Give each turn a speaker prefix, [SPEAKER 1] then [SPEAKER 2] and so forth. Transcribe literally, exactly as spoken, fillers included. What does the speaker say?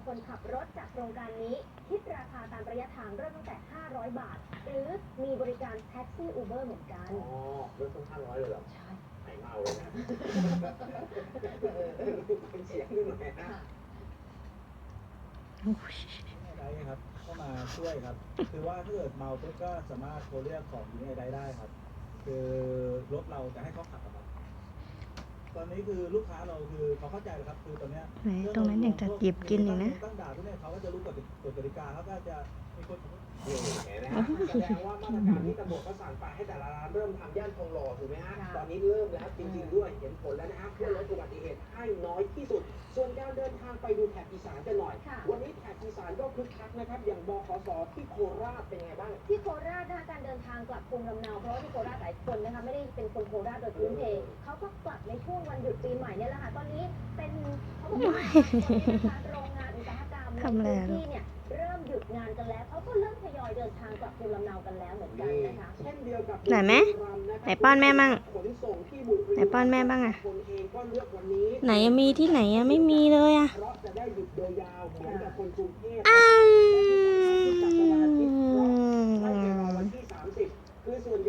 [SPEAKER 1] คนขับรถจากโครงการนี้คิดราคาตามระยะทางเริ่มตั้งแต่ห้าร้อยบาทหรือมีบริการแท็กซี่อูเบอร์เหมือนกัน
[SPEAKER 2] อ๋อเริ่มต้นห้าร้อยเลยเหรอ
[SPEAKER 1] ใช่
[SPEAKER 2] หายเมาเลยนะเป็นเสียงดูหน่อยนะ
[SPEAKER 3] ได้ครับเข้ามาช่วยครับคือว่าถ้าเกิดเมาปุ๊บก็สามารถโทรเรียกของยิงไอได้ได้ครับคือรถเราจะให้เขาขับครับตอนนี้คือลูกค้าเราคือเขาเข้าใจแล้วครับคือตอนนี้
[SPEAKER 4] ตรงนั้นอยากจะหยิบกินอีกนะ
[SPEAKER 3] ตั้งด่าพวกนี้เขาก็จะรู้กฎกฎกติกาเขาก็จะมีคน
[SPEAKER 2] นี่เห็นไหมฮะแสดงว่ามาตรการที่ตำรวจเขาสั่งไปให้แต่ละร้านเริ่มทำย่านทองหล่อถูกไหมฮะตอนนี้เริ่มแล้วจริงๆด้วยเห็นผลแล้วนะฮะเพื่อลดอุบัติเหตุให้น้อยที่สุดส่วนการเดินทางไปดูแถบอีสานกันหน่อยวันนี้แถบอีสานก็คึกคักนะครับอย่างบขสที่โคราชเป็นไงบ้าง
[SPEAKER 1] ที่โคราชนะคะการเดินทางกลับภูมิลำเนาเพราะว่าที่โคราชหลายคนนะคะไม่ได้เป็นคนโคราชโดยพื้นเพเขาก็กลับในช่วงวันหยุดปีใหม่เนี่ยแหละค่ะตอนนี้เป็นเขาบอกว่าโรงงานอุตสาหกรรมในพื้นที่เนี่ยเริ่มหยุดงานกันแล้วเขาก็เริ่มทยอยเดินทางกลับภูมิลำเนากันแล้วเหมือนกันนะคะ
[SPEAKER 2] เช่นเดียวกับ
[SPEAKER 4] ไหนไหมไหนป้อนแม่บ้างไหนป้อนแม่บ้างอะไหนมีที่ไหนอะไม่มีเลยอะอ้าว